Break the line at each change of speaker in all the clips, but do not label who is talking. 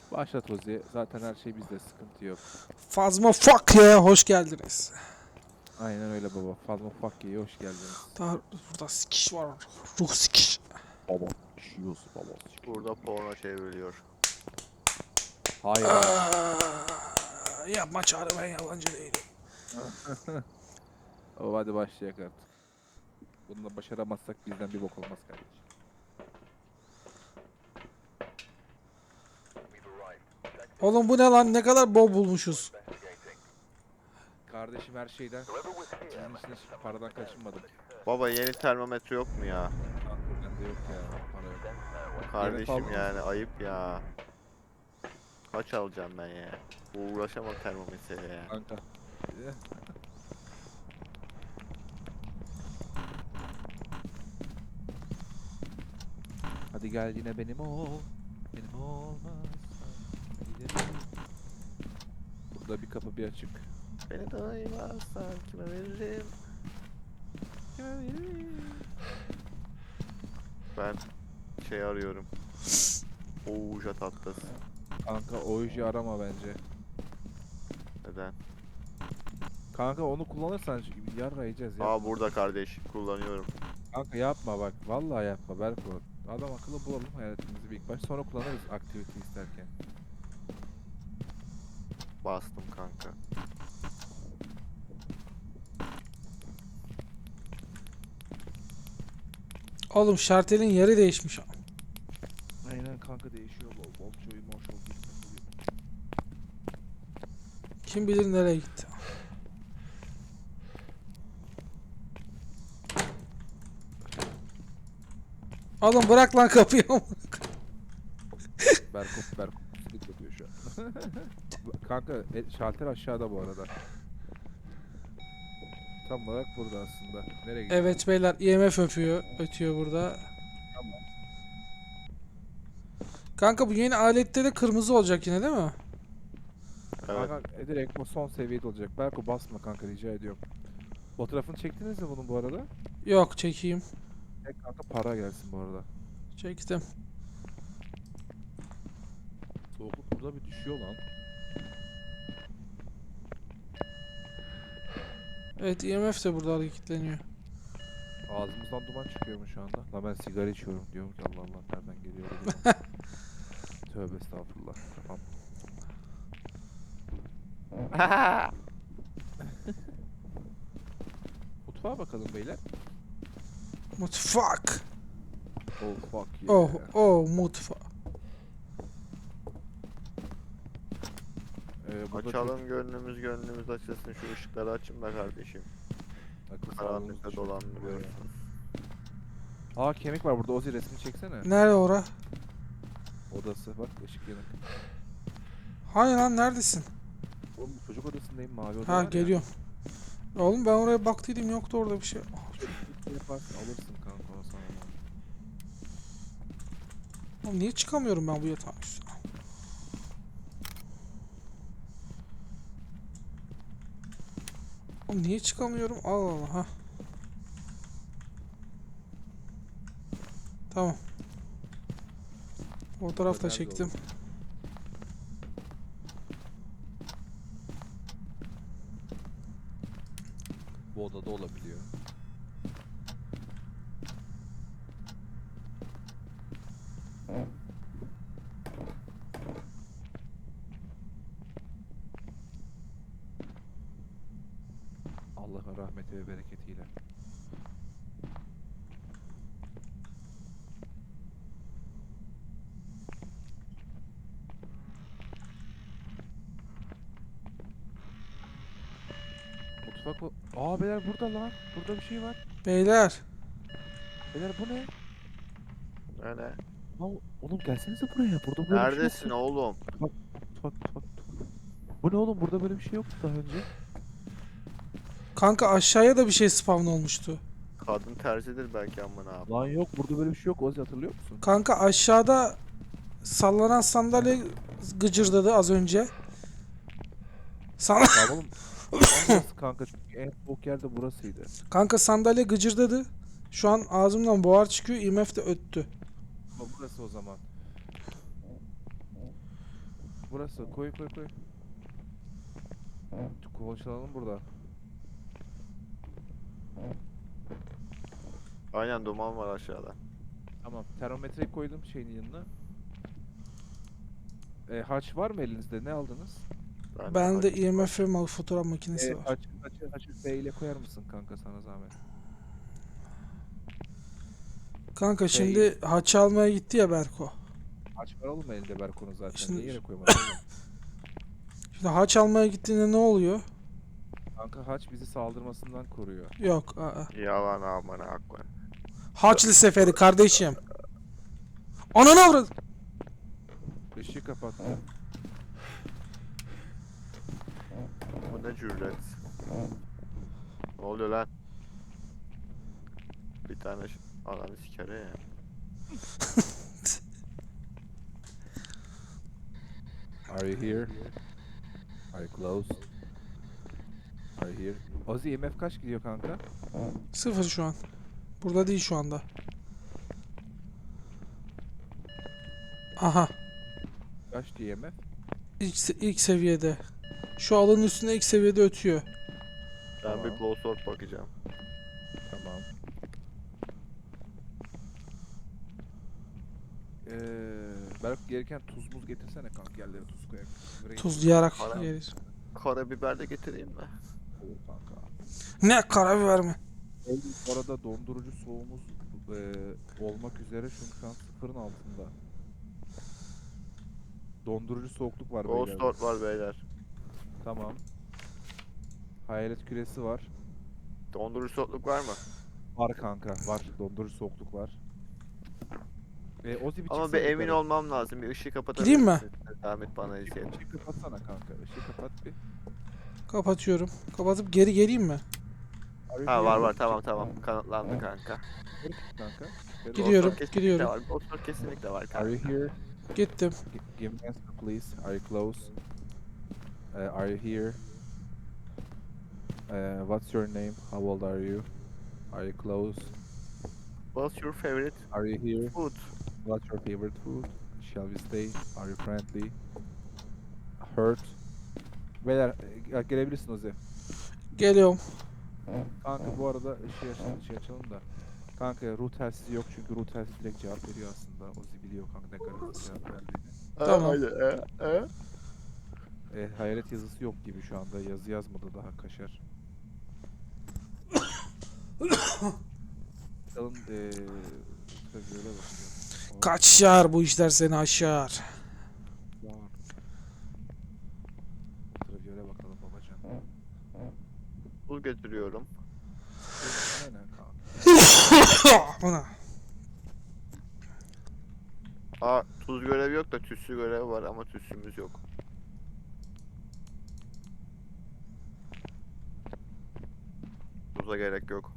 Başlat Ozi. Zaten her şey bizde, sıkıntı yok.
Fazma fuck ya, hoş geldiniz.
Aynen öyle baba. Fazla fuck you, hoş geldiniz.
Daha burada sikiş var. Ruh sikiş.
Baba. Şiyoruz baba.
Burada porno çevriliyor.
Hayır abi.
Yapma çağrı, ben yabancı değilim.
Baba hadi başlayak artık. Bununla başaramazsak bizden bir bok olmaz kardeşim.
Oğlum bu ne lan, ne kadar bol bulmuşuz.
Kardeşim her şeyden. Sizin için hiç paradan kaçınmadım.
Baba yeni termometre yok mu ya?
Kanka bende yok ya. Para yok.
Kardeşim
aldın mı?
yani ayıp ya. Kaç alacağım ben ya? Uğraşamam termometreyle ya.
Kanka. Hadi gel yine benim ol. Benim olmazsan giderim. Burada bir kapı bir açık.
Beni doymazsan kime veririm?
Kime vereyim?
Ben şey arıyorum. Ouija tahtası.
Kanka o işi arama bence.
Neden?
Kanka onu kullanırsan yarra yiyeceğiz ya.
Aa burada kardeş kullanıyorum.
Kanka yapma bak. Vallahi yapma Berko. Adam akıllı bulalım hayatımızı bir ilk baş. Sonra kullanırız activity isterken.
Bastım kanka.
Oğlum şartelin yeri değişmiş.
Aynen kanka değişiyor. Bol çoyu moş oldu.
Kim bilir nereye gitti. Oğlum bırak lan kapıyı.
Berko silik yapıyor şu an. Kanka şalter aşağıda bu arada. Tam olarak burada aslında. Nereye gidiyor?
Evet beyler, IMF ötüyor burada.
Tamam.
Kanka bu yeni alette de kırmızı olacak yine değil mi?
Evet.
Kanka direkt o son seviyede olacak. Berko basma kanka rica ediyorum. Fotoğrafını çektiniz mi bunun bu arada?
Yok, çekeyim.
Kanka para gelsin bu arada.
Çektim.
Soğukluk burada bir düşüyor lan.
Evet, IMF de burada hareketleniyor.
Ağzımızdan duman çıkıyormuş şu anda. La ben sigara içiyorum diyorum ki Allah Allah nereden geliyor diye. Tövbe estağfurullah. Tamam. Mutfağa bakalım beyler.
Mutfak.
Oh fuck yeah.
Oh mutfak.
Burada
Açalım gönlümüz açılsın, şu ışıkları açın be kardeşim.
akıl sağlığımız
Karanlıkta
düşüyor.
dolandırıyorsunuz.
Aa kemik var burada. Ozi resmini çeksene.
Nerede ora?
Odası bak ışık yanık.
Hani lan, neredesin?
Oğlum çocuk odasındayım mavi oda
Ha,
var ya.
geliyorum. Oğlum ben oraya baktıydım, yoktu orada bir şey.
Çocuk yaparsın alırsın kanka o sana.
Oğlum niye çıkamıyorum ben bu yatağın üstüne? Oğlum niye çıkamıyorum? Allah Allah ha. Tamam. Fotoğraf da
Nerede
çektim.
oğlum? Bu odada olabiliyor. Allah'ın rahmeti ve bereketiyle. Mutfak o. Aa beyler burada lan. Burada bir şey var.
Beyler.
Beyler bu ne?
Öyle.
Lan oğlum gelsenize buraya. Burada böyle bir şey
Neredesin
yoktu.
oğlum?
Mutfak. Bu ne oğlum? Burada böyle bir şey yoktu daha önce.
Kanka aşağıya da bir şey spawn olmuştu.
Kadın terzidir belki amına abi.
Lan yok burada böyle bir şey yok. Ozi hatırlıyor musun?
Kanka aşağıda sallanan sandalye gıcırdadı az önce. Sana
Tamam oğlum. Burası kanka çünkü en soğuk yerde burasıydı.
kanka sandalye gıcırdadı. Şu an ağzımdan buhar çıkıyor. IMF de öttü.
Ama burası o zaman. burası. Koy koy koy. Konuşalım burada.
Aynen duman var aşağıda.
Tamam. Termometreyi koydum şeyin yanına. Haç var mı elinizde? Ne aldınız?
Bende IMF ve fotoğraf makinesi var.
Haçı B ile koyar mısın kanka sana zahmet?
Kanka şimdi haç almaya gitti ya Berko.
Haç var oğlum elinde Berko'nun zaten.
Şimdi-
Niye yere koymadın oğlum?
Şimdi haç almaya gittiğinde ne oluyor?
Kanka haç bizi saldırmasından koruyor.
Yok. Aa.
Yalan amına akma.
Haçlı seferi kardeşim. Ananı avradı.
Işığı kapat.
Bu ne cüret? Ne oluyor lan? Bir tane ananı sikere ya.
Are you here? Are you close? Are you here? Ozzy IMF kaç gidiyor kanka?
0 şu an. Burada değil şu anda. Aha.
Kaç diyor IMF?
İlk seviyede. Şu alanın üstünde ilk seviyede ötüyor.
Ben
Tamam.
bir glowsword bakacağım.
Tamam. Berk gelirken tuz muz getirsene kanka yerlere tuz koyak.
Tuzlayarak
Haram.
yeriz.
Karabiber de getireyim mi?
Olur kanka.
Ne karabiber mi?
Bu arada dondurucu soğumuz olmak üzere şu an sıfırın altında. Dondurucu soğukluk var beyler.
Glowsword var beyler.
Tamam. Hayalet küresi var.
Dondurucu soğukluk var mı?
Var kanka var. Dondurucu soğukluk var. Ozzy bir
Ama
çıksana
bir emin
yukarı.
olmam lazım. Bir ışığı kapatabilir
Gideyim mi?
misin? Zahmet bana izleyelim.
Işığı kapatsana kanka. Işığı kapat bir.
Kapatıyorum. Kapatıp geri geleyim mi?
Ha var var tamam kanıtlandı kanka.
Kanka.
Gidiyorum,
Glowsword kesinlikle
gidiyorum.
var. Glowsword kesinlikle var
Are
kanka.
you here?
Gittim.
Give me answer please. Are you close? Are you here? What's your name? How old are you? Are you close?
What's your favorite
Are you here?
food?
What's your favorite food? Shall we stay? Are you friendly? Hurt? Beyler gelebilirsin Ozi.
Geliyorum.
Kanka bu arada ışığı açalım da. Kanka ruh telsizi yok çünkü ruh telsizi direkt cevap veriyor aslında. Ozi biliyor kanka ne kadar hızlı cevap verdiğini.
Tamam.
Hayalet yazısı yok gibi şu anda. Yazı yazmadı daha kaşar. Bakalım ultraviyole bakacağım.
Kaçar bu işler seni aşar.
Ultraviyole bakalım babacan.
Bul götürüyorum.
Aynen kanka.
Ana.
Aa tuz görevi yok da tütsü görevi var ama tütsümüz yok. Tuza gerek yok.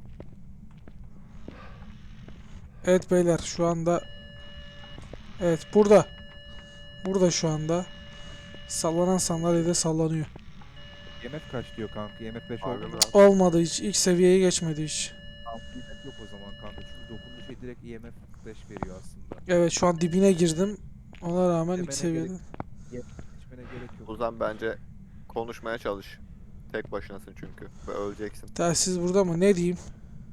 Evet beyler şu anda. Evet burada. Burada şu anda. Sallanan sandalyede sallanıyor.
IMF kaç diyor kanka? IMF 5
Harbi
oldu
mi
mu?
lan?
Olmadı hiç. İlk seviyeye geçmedi hiç.
IMF yok o zaman kanka. Çünkü dokunduğu şey direkt IMF 5 veriyor aslında.
Evet şu an dibine girdim. Ona rağmen ilk
Demene
seviyede.
Geçmene gerek yok.
Ozan bence konuşmaya çalış. Tek başınasın çünkü ve öleceksin.
Telsiz burada mı? Ne diyeyim?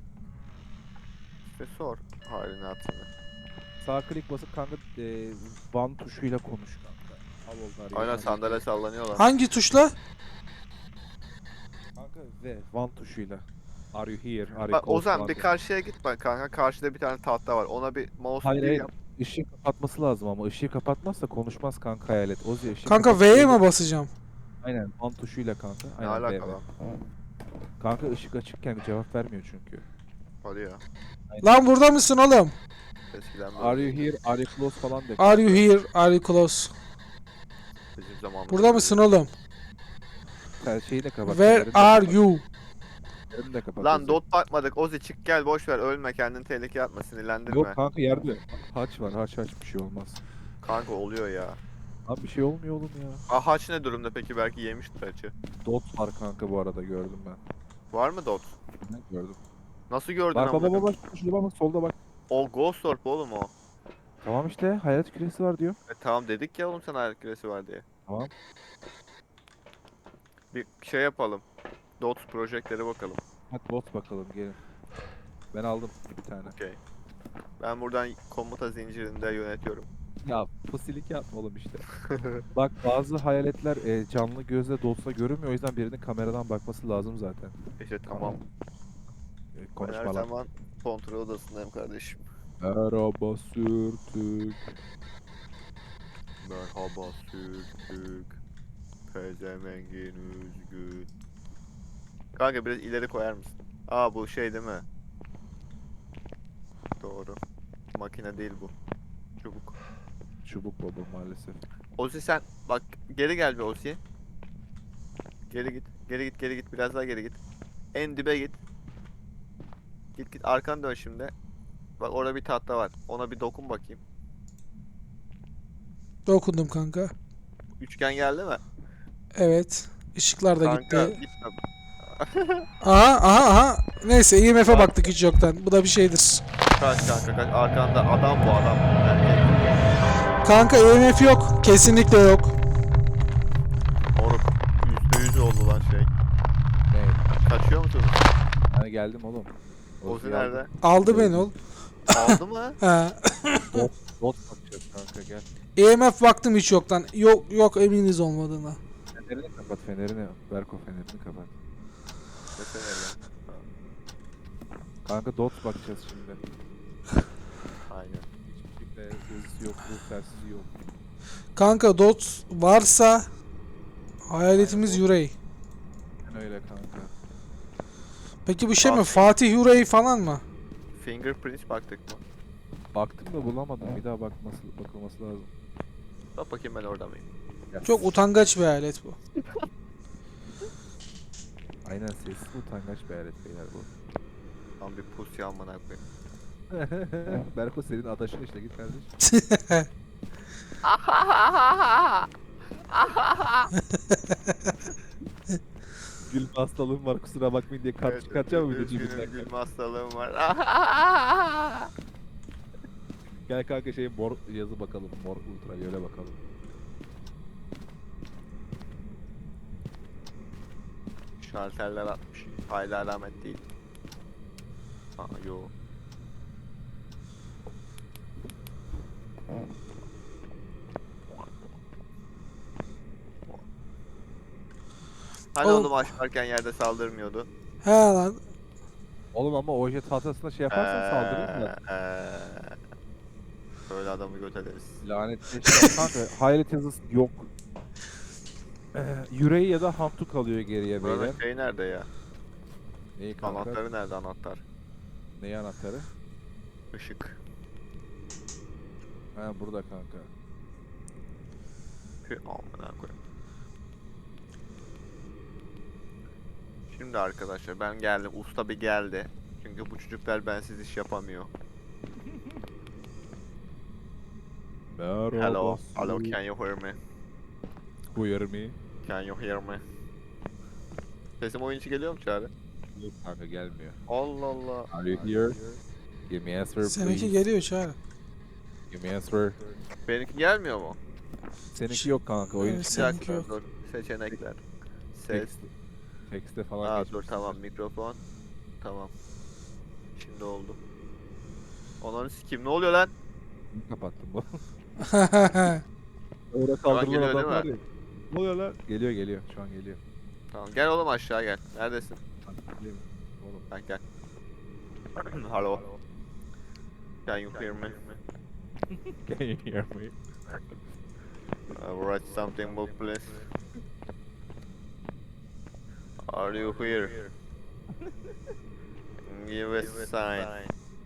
İşte sor halini hatırını.
Sağ klik basıp kanka van tuşuyla konuş kanka. Al oldu arıyor.
Aynen sandalye sallanıyorlar.
Hangi tuşla?
Kanka ve van tuşuyla. Are you here? Are you
Bak
close
Ozan
falan
bir
diyor.
karşıya git bak kanka. Karşıda bir tane tahta var. Ona bir mouse
Hayır
bir
hayır.
yap.
Işığı kapatması lazım ama ışığı kapatmazsa konuşmaz kanka hayalet. Ozi ışığı
Kanka
kapatıyor.
V'ye mi basacağım?
Aynen van tuşuyla kanka.
Ne
Aynen V,
alaka
V.
lan?
Kanka ışık açıkken cevap vermiyor çünkü.
Hadi ya.
Lan burada mısın oğlum?
Eskiden böyle
Are you here? Are you close falan de.
Are you here? Are you close?
bizim zamanımızda.
Burada mısın oğlum?
Sen şeyi de kapat.
Where
fenerini de
are
kapat,
you?
fenerini de kapat
Lan
Ozi.
dot bakmadık. Ozi çık gel boş ver ölme kendini tehlikeye atma sinirlendirme.
Yok kanka yerde haç var. Haç bir şey olmaz.
Kanka oluyor ya.
Abi bir şey olmuyor oğlum ya.
Haç ne durumda peki belki yemiştir haçı.
Dot var kanka bu arada gördüm ben.
Var mı dot?
Ne gördüm.
Nasıl gördün
Bak
amına
bak
koyayım?
bak şurada bak solda bak.
O Ghost Orb oğlum o.
Tamam işte hayalet küresi var diyor.
Tamam dedik ya oğlum sana ayak küresi var diye.
Tamam.
Bir şey yapalım. Dots projektlere bakalım.
Hadi bot bakalım gelin. Ben aldım bir tane.
Okey. Ben buradan komuta zincirinde yönetiyorum.
Ya pusilik yapma oğlum işte. Bak bazı hayaletler canlı gözle dolsa görünmüyor. O yüzden birinin kameradan bakması lazım zaten.
İşte tamam. Ben her
Konuşma lan.
zaman kontrol odasındayım kardeşim.
Merhaba sürtük.
Merhaba sürtük. Pezemengin üzgün. Kanka biraz ileri koyar mısın? Aa bu şey değil mi? Doğru. Makine değil bu. Çubuk.
Çubuk baba maalesef.
Ozi sen bak geri gel bir Ozi. Geri git. Geri git geri git. Biraz daha geri git. En dibe git. Git git arkanı dön şimdi. Bak orada bir tahta var. Ona bir dokun bakayım.
Dokundum kanka.
Üçgen geldi mi?
Evet. Işıklar da
Kanka
gitti.
gitme.
Aha aha aha. Neyse IMF'e baktık hiç yoktan. Bu da bir şeydir.
Kaç kanka kaç. Arkanda adam bu adam. Erkek.
Kanka IMF yok. Kesinlikle yok.
Moruk. %100 oldu lan şey.
Ne?
Kaçıyor musunuz?
Hani geldim oğlum.
Ozi nerede?
Aldı beni ol.
Aldı mı?
Ha.
Bot bakacağız kanka gel.
IMF baktım hiç yoktan. Yok yok eminiz olmadığına.
Fenerini kapat fenerini. Berko fenerini kapat.
Desene lan.
Kanka dot bakacağız şimdi.
Aynen.
Hiçbir yazısı yok, bu tersiz yok.
Kanka dot varsa hayaletimiz Yurey.
Ben öyle kanka.
Peki bu şey mi?
Bak.
Fatih Yurey falan mı?
Fingerprint baktık mı?
Baktım da bulamadım. Bir daha bakılması lazım.
Bak bakayım ben orada mıyım?
Ya,
Çok utangaç bir hayalet bu.
aynen sessiz utangaç bir alet beyler bu.
Tam bir pusya amına koyayım.
Berko senin adaşın işte git kardeş. Gülme hastalığım var kusura bakmayın diye kart çıkartacağım mı bir de
üzgünüm,
cebinden?
gülme hastalığım var.
Gel kanka şey mor yazı bakalım. Mor ultraviyole bakalım.
Şalterler atmış. Hala alamet değil. Aa yo. Hani
Oğlum.
onu açarken yerde saldırmıyordu.
He lan.
Oğlum ama oje tahtasına şey yaparsan saldırırım da.
Böyle adamı göt ederiz.
Lanetli şey kanka. Hayalet yazısı yok. Yüreği ya da hantu kalıyor geriye beyler.
Buranın şey nerede ya?
Neyi kanka?
Anahtarı nerede anahtar?
Neyi anahtarı?
Işık.
Ha burada kanka.
Amına koyayım. Şimdi arkadaşlar ben geldim. Usta bir geldi. Çünkü bu çocuklar bensiz iş yapamıyor.
Merhaba.
Hello. Hello, can you hear me?
Buyur me.
Can you hear me? Sesim oyun içi geliyor mu Çağrı?
Yok kanka gelmiyor.
Allah Allah.
Are you here? Give me answer
Seninki
please.
geliyor Çağrı.
Give me answer.
Benimki gelmiyor mu?
Seninki yok kanka oyun
Evet,
içi.
Bir
Seninki
dakika
yok.
dur. Seçenekler. Ses.
Tekste falan
Aa
geçmiş.
dur tamam mikrofon. Tamam. Şimdi oldu. Onları sikeyim ne oluyor lan?
Kapattım bu.
Orada
Orada
geliyor
kaldırılan
değil
adam
mi?
var ya. Ne oluyor lan? Geliyor geliyor. Şu an geliyor.
Tamam gel oğlum aşağı gel. Neredesin?
Geliyor. Oğlum.
Ben gel. Hello. Can you hear me?
Can you hear me?
Write something book please. Are you here? Give us a sign.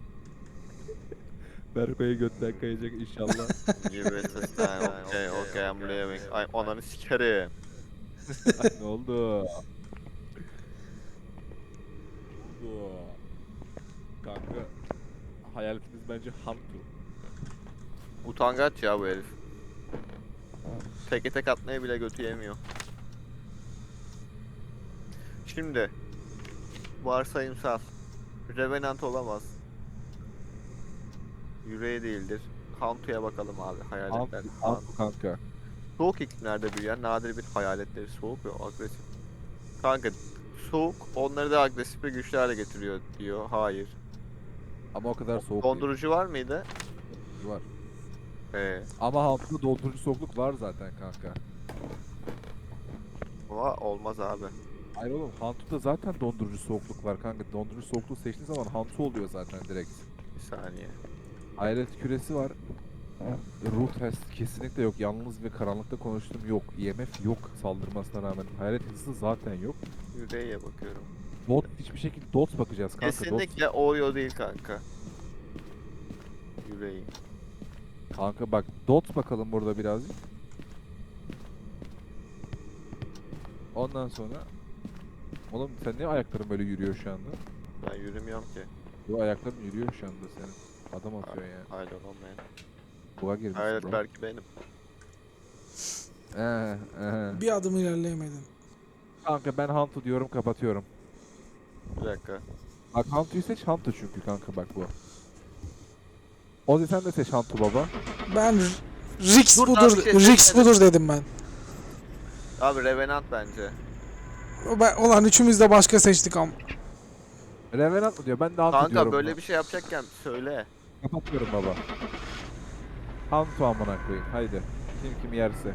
Berko'ya götten kayacak inşallah.
Give us a sign. Okay, okay, I'm leaving. Ay ananı sikerim.
Ay, ne oldu? oldu? Kanka hayaletimiz bence Hantu.
Utangaç ya bu herif. Teke tek atmaya bile götü yemiyor. Şimdi varsayımsal Revenant olamaz. Yüreği değildir. Hantu'ya bakalım abi hayaletler.
Hantu kanka.
Soğuk iklimlerde büyüyen nadir bir hayaletleri soğuk ve agresif. Kanka soğuk onları da agresif ve güçlü hale getiriyor diyor. Hayır.
Ama o kadar soğuk değil.
Dondurucu var mıydı?
Var.
Ee,
Ama Hantu'da dondurucu soğukluk var zaten kanka.
olmaz abi.
Hayır oğlum, Hantu'da zaten dondurucu soğukluk var kanka. Dondurucu soğukluğu seçtiğin zaman Hantu oluyor zaten direkt.
Bir saniye.
Hayalet küresi var. Ruh test kesinlikle yok. Yalnız ve karanlıkta konuştum yok. IMF yok saldırmasına rağmen. Hayalet hızı zaten yok.
Yüreğe bakıyorum.
Dot hiçbir şekilde dot bakacağız kanka.
Kesinlikle Oreo değil kanka. Yüreği.
Dot. Kanka bak dot bakalım burada birazcık. Ondan sonra oğlum sen niye ayakların böyle yürüyor şu anda?
Ben yürümüyorum ki.
Bu ayakların yürüyor şu anda senin. Adam atıyor yani.
Hayır olmayan.
Buğa girmiş
Hayır
bro.
belki benim.
Bir adım ilerleyemedin.
Kanka ben Hantu diyorum, kapatıyorum.
Bir dakika.
Bak Hantu'yu seç, Hantu çünkü kanka bak bu. Ozi sen de seç Hantu baba.
Ben Rix
Dur, daha
budur,
bir şey
Rix
seçmedim.
budur dedim ben.
Abi Revenant bence.
Ulan üçümüz de başka seçtik ama.
Revenant mı diyor? Ben de Hantu
Kanka
diyorum.
böyle
buna.
bir şey yapacakken söyle.
Kapatıyorum baba. Hantu amına koyayım. Haydi. Kim yerse.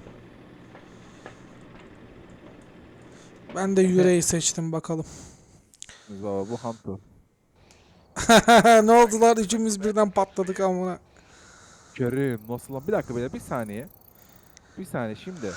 Ben de yüreği seçtim bakalım.
Baba bu Hantu.
Ne oldular? Üçümüz birden patladık amına.
Kerim nasıl lan? Bir dakika böyle bir saniye. Bir saniye şimdi.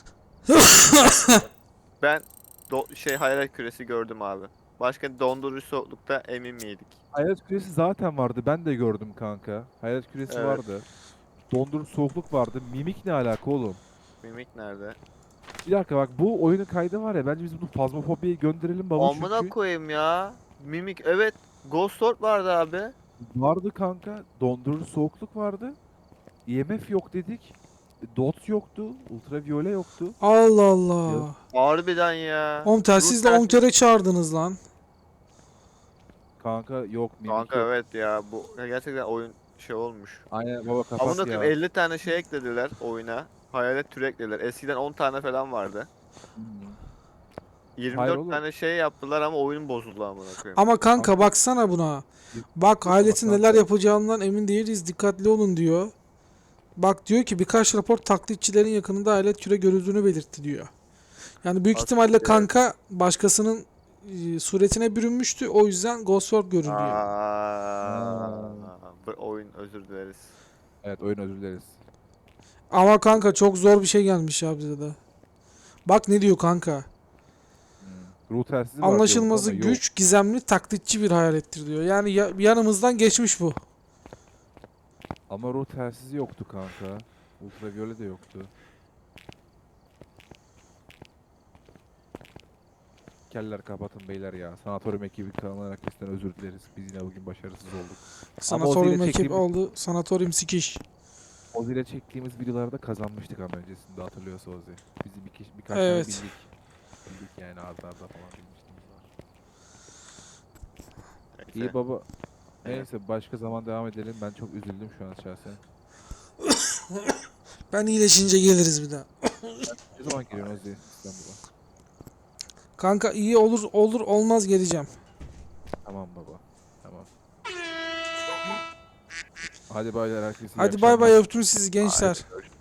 Ben hayalet küresi gördüm abi. Başka dondurucu soğuklukta emin miydik?
Hayalet küresi zaten vardı. Ben de gördüm kanka. Hayalet küresi
Evet.
vardı. Dondurucu soğukluk vardı. Mimik ne alaka oğlum?
Mimik nerede?
Bir dakika bak bu oyunun kaydı var ya. Bence biz bunu fazmafobiye gönderelim baba
Amına
çünkü.
koyayım ya. Mimik evet. Ghost Orb vardı abi.
Vardı kanka. Dondurucu soğukluk vardı. IMF yok dedik. Dot yoktu. Ultraviyole yoktu.
Allah Allah.
Harbiden ya.
Oğlum telsizle
Ruh
10 kere çağırdınız lan.
Kanka yok mimik
Kanka
yok.
evet ya bu gerçekten oyun olmuş.
Aynen baba kapat
Amına
ya.
koyayım 50 tane şey eklediler oyuna. Hayalet türü eklediler. Eskiden 10 tane falan vardı.
Hmm.
24
oğlum.
tane şey yaptılar ama oyun bozuldu amına koyayım.
Ama kanka baksana buna. Bak hayaletin
Bak
neler
kanka.
yapacağından emin değiliz. Dikkatli olun diyor. Bak diyor ki birkaç rapor taklitçilerin yakınında hayalet küre görüldüğünü belirtti diyor. Yani büyük
Aslında
ihtimalle
evet.
kanka başkasının suretine bürünmüştü. O yüzden Ghost Orb görünüyor.
Bu oyun özür dileriz.
Evet oyun özür dileriz.
Ama kanka çok zor bir şey gelmiş ya bize de. Bak ne diyor kanka.
Ruh telsizi var
Anlaşılmazı
diyorum ama yok.
güç, gizemli, taklitçi bir hayalettir diyor. Yani yanımızdan geçmiş bu.
Ama ruh telsizi yoktu kanka. Ultraviyole de yoktu. Keller kapatın beyler ya. Sanatoryum ekibi kanalına herkesten özür dileriz. Biz yine bugün başarısız olduk.
Sanatoryum
Ozi'yle
ekip
çektiğimiz-
oldu. Sanatoryum sikiş.
Ozi ile çektiğimiz videolarda kazanmıştık ama öncesinde hatırlıyorsa Ozi. Bizi birkaç
Evet.
tane bildik. Bildik yani arda arda falan bilmişliğimiz var.
Neyse.
İyi baba.
Evet.
Neyse başka zaman devam edelim. Ben çok üzüldüm şu an şahsen.
Ben iyileşince geliriz bir daha.
Ne zaman geliyorsun Ozi İstanbul'a?
Kanka iyi olur olmaz geleceğim.
Tamam baba. Tamam. Hadi baylar herkese iyi
Hadi bay
akşamlar.
bay öptüm sizi gençler.
Haydi görüşmek